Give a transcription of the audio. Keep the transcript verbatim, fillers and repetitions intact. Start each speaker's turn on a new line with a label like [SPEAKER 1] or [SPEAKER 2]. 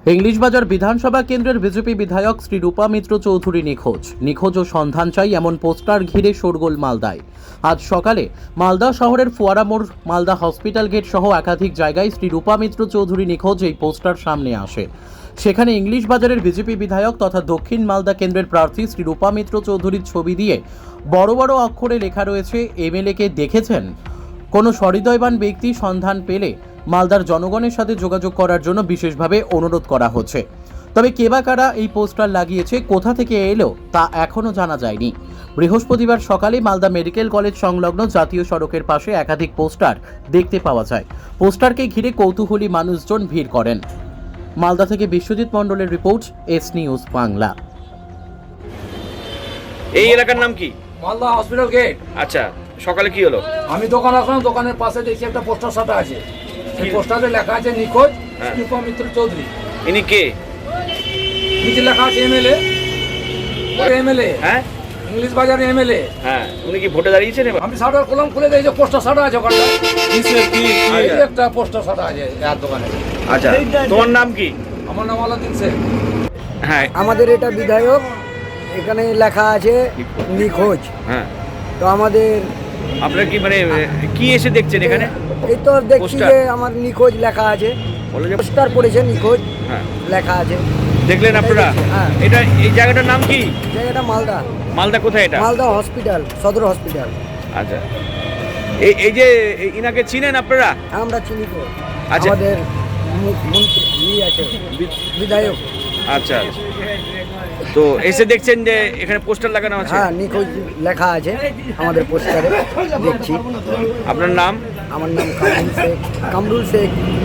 [SPEAKER 1] ইংলিশবাজার বিধানসভা কেন্দ্রের বিজেপি বিধায়ক শ্রী রূপা মিত্র চৌধুরী নিখোঁজ নিখোঁজ ও সন্ধান চাই এমন পোস্টার ঘিরে শোরগোল মালদায়। আজ সকালে মালদা শহরের ফোয়ারা মোড়, মালদা হসপিটাল গেট সহ একাধিক জায়গায় শ্রী রূপা মিত্র চৌধুরী নিখোঁজ এই পোস্টার সামনে আসে। সেখানে ইংলিশবাজারের বিজেপি বিধায়ক তথা দক্ষিণ মালদা কেন্দ্রের প্রার্থী শ্রী রূপা মিত্র চৌধুরীর ছবি দিয়ে বড় বড় অক্ষরে লেখা রয়েছে, এমএলএ কে দেখেছেন? কোনো সহৃদয়বান ব্যক্তি সন্ধান পেলে মালদার জনগণের সাথে যোগাযোগ করার জন্য বিশেষভাবে অনুরোধ করা হচ্ছে। তবে কে বা কারা এই পোস্টার লাগিয়েছে, কোথা থেকে এলো তা এখনও জানা যায়নি। বৃহস্পতিবার সকালে মালদা মেডিকেল কলেজ সংলগ্ন জাতীয় সড়কের পাশে একাধিক পোস্টার দেখতে পাওয়া যায়। পোস্টারকে ঘিরে কৌতূহলী মানুষজন ভিড় করেন। মালদা থেকে বিশ্বজিৎ মণ্ডলের রিপোর্ট, এস নিউজ বাংলা।
[SPEAKER 2] এই এলাকার নাম কি?
[SPEAKER 3] Malda hospital gate.
[SPEAKER 2] আচ্ছা, সকালে কি হলো?
[SPEAKER 3] আমি দোকান আসলাম, দোকানের পাশে দেখি একটা পোস্টার সাটা আছে। এই পোস্টারে লেখা আছে নিখোঁজ
[SPEAKER 2] হ্যাঁ।
[SPEAKER 3] রূপা মিত্র চৌধুরী।
[SPEAKER 2] ইনি কে?
[SPEAKER 3] নিচে লেখা আছে এমএলএ। ওই এমএলএ,
[SPEAKER 2] হ্যাঁ,
[SPEAKER 3] ইংলিশ বাজারে এমএলএ।
[SPEAKER 2] হ্যাঁ, উনি কি ভোটে দাঁড়িয়েছেন এবার?
[SPEAKER 3] আমি শাটার কলম খুলে দেখি যে পোস্টার সাটা আছে ওখানটা।
[SPEAKER 2] কিসের কি?
[SPEAKER 3] এই যে একটা পোস্টার সাটা আছে আর দোকানে।
[SPEAKER 2] আচ্ছা, তোমার নাম কি?
[SPEAKER 3] আমার নাম আলাদিন শেখ।
[SPEAKER 2] হ্যাঁ,
[SPEAKER 4] আমাদের এটা বিধায়ক, এখানে লেখা আছে নিখোঁজ।
[SPEAKER 2] হ্যাঁ,
[SPEAKER 4] তো আমাদের
[SPEAKER 2] আপনারা কি মানে কি এসে দেখছেন এখানে?
[SPEAKER 4] এই তো দেখছি
[SPEAKER 2] পোস্টার?
[SPEAKER 4] যে আমার নিখোঁজ লেখা আছে,
[SPEAKER 2] বলে যে
[SPEAKER 4] পোস্টার পড়েছে নিখোঁজ
[SPEAKER 2] হ্যাঁ,
[SPEAKER 4] লেখা আছে।
[SPEAKER 2] দেখলেন আপনারা?
[SPEAKER 4] হ্যাঁ।
[SPEAKER 2] এটা এই জায়গাটার নাম কি?
[SPEAKER 4] জায়গাটা মালদা,
[SPEAKER 2] মালদা কোথায় এটা?
[SPEAKER 4] মালদা হসপিটাল, সদর হসপিটাল।
[SPEAKER 2] আচ্ছা, এই এই যে ইনাকে চিনেন আপনারা?
[SPEAKER 4] আমরা চিনি তো,
[SPEAKER 2] আচ্ছা।
[SPEAKER 4] আমাদের মু- মন্ত্রী ই আছে, বিধায়ক।
[SPEAKER 2] আচ্ছা, তো এসে দেখছেন যে এখানে পোস্টার লাগানো আছে?
[SPEAKER 4] হ্যাঁ, নিখোঁজ লেখা আছে আমাদের পোস্টারে, দেখছি।
[SPEAKER 2] আপনার নাম?
[SPEAKER 4] আমার নাম কামরুল শেখ, কামরুল শেখ।